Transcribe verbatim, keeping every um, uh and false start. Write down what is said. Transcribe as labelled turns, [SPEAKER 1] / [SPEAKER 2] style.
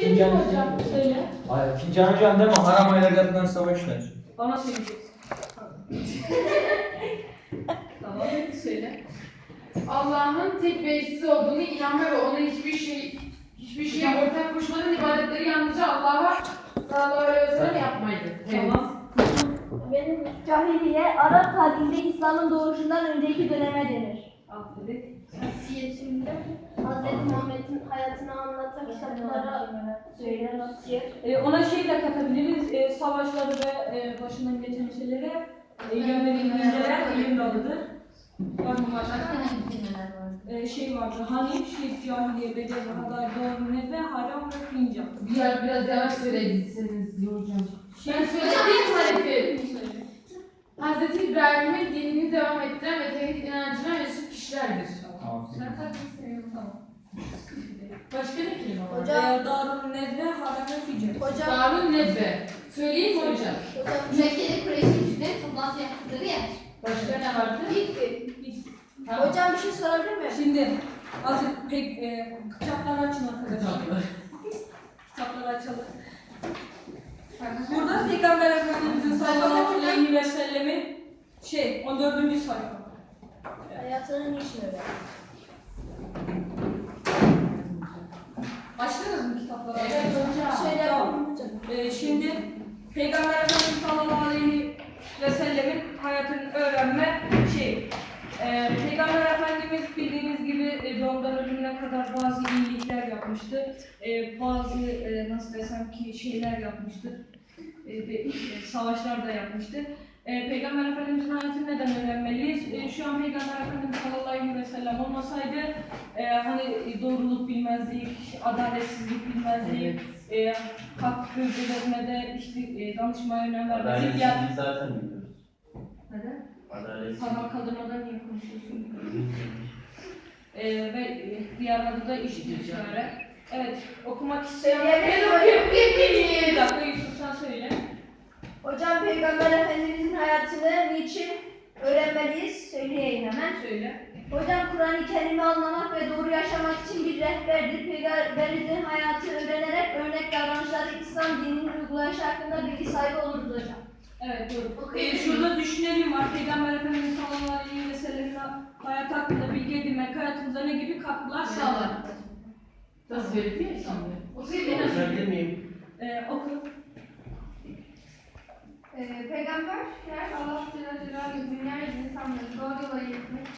[SPEAKER 1] Fincan hocam söyle.
[SPEAKER 2] Ay, fincan hocam deme, haram aylarından savaşlar.
[SPEAKER 1] Bana söyleyeceksin. Tamam, söyle.
[SPEAKER 3] Allah'ın tek ve eşsiz olduğunu inanma ve ona hiçbir şey hiçbir şeye ortak koşmadan ibadetleri yalnızca Allah'a sallallahu aleyhi ve sellem yapmaydı.
[SPEAKER 1] Tamam.
[SPEAKER 4] Benim cahiliye, Arap tarihinde İslam'ın doğuşundan önceki döneme denir.
[SPEAKER 1] Aferin.
[SPEAKER 5] Siyetimde Hz. Muhammed'in hayatını anlatan kitaplara
[SPEAKER 4] Söyle nasıl?
[SPEAKER 1] Ee, ona şey de katabiliriz. Ee, savaşları ve e, başından geçen şeylere e, yönelik bilgiler ilim dalıdır. Bakın başka. Ee, şey vardı. Hanif, şirk, cahiliye, bedel, hadar, doğru, ve haram ve fincan.
[SPEAKER 3] Biraz biraz yavaş söyleyebilirsiniz diyor hocam. Ben söylediğim tarifi. Hz. İbrahim'in dinini devam ettiren ve tevhid inancına mensup kişilerdir.
[SPEAKER 1] Sen takip seviyorum, tamam.
[SPEAKER 3] Başka ne kelime var?
[SPEAKER 4] Hocam.
[SPEAKER 1] Ee, darun, nedve, haram ve fincan.
[SPEAKER 4] Hocam,
[SPEAKER 3] Darun Nedve. Söyleyeyim mi hocam?
[SPEAKER 4] hocam
[SPEAKER 5] Mekke'de Kureyş'in güçleri toplantı yaptıkları yer.
[SPEAKER 3] Başka ne vardı?
[SPEAKER 4] bitti.
[SPEAKER 3] Tamam.
[SPEAKER 4] Hocam bir şey sorabilir miyim?
[SPEAKER 1] Şimdi azıcık pek e, kitapları açın arkadaşlar. Kitapları açalım. Burada Peygamber Efendimiz'in sallallahu aleyhi ve sellemin şey on dördüncü sayfa.
[SPEAKER 4] Hayatının niçin öyle?
[SPEAKER 1] Açtınız mı kitapları?
[SPEAKER 3] Evet hocam.
[SPEAKER 4] Söyle
[SPEAKER 1] Tamam.
[SPEAKER 4] hocam.
[SPEAKER 1] Ee, şimdi Peygamber Efendimiz sallallahu aleyhi ve sellemin hayatını öğrenme şey. Ee, Peygamber Efendimiz bildiğiniz gibi e, doğumdan ölümüne kadar bazı iyilikler yapmıştı. Ee, bazı e, nasıl desem ki şeyler yapmıştı. E, ve, e, savaşlar da yapmıştı. E, Peygamber Efendimiz'in hayatını neden öğrenmeliyiz? E, şu an Peygamber Efendimiz sallallahu aleyhi ve sellem olmasaydı e, hani doğruluk bilmezdik, adaletsizlik bilmezdik, e, hak bölgelerine de işte e, danışmaya önem vermezdik. Yani,
[SPEAKER 2] Adaletsizliği zaten biliyoruz.
[SPEAKER 1] neden?
[SPEAKER 2] Adaletsizlik.
[SPEAKER 1] Parmak kaldırmadan niye konuşuyorsun? e, ve e, diğer adı da işitiş öyle. Evet, okumak isteyen...
[SPEAKER 4] Söyleyebilir
[SPEAKER 1] Ben
[SPEAKER 4] miyim?
[SPEAKER 1] okuyayım. Bir dakika Yusuf sen söyle.
[SPEAKER 4] Hocam Peygamber Efendimizin hayatını niçin öğrenmeliyiz? Söyleyeyim hemen.
[SPEAKER 1] Söyle.
[SPEAKER 4] Hocam Kur'an-ı Kerim'i anlamak ve doğru yaşamak için bir rehberdir. Peygamberimizin hayatı öğrenerek örnek davranışları İslam dininin uygulayışı hakkında bilgi sahibi oluruz hocam.
[SPEAKER 1] Evet doğru.
[SPEAKER 5] Okuyabilir
[SPEAKER 1] Ee, şurada düşünelim var. Peygamber Efendimiz sallallahu aleyhi ve sellem'in hayat hakkında bilgi edinmek hayatımıza ne gibi katkılar sağlar?
[SPEAKER 3] Nasıl söyledi ya şimdi?
[SPEAKER 2] Okuyabilir miyim?
[SPEAKER 1] Ee, oku.
[SPEAKER 5] Ee, Peygamber, Allah Celle Celaluhu dünya insanları doğru yola iletmek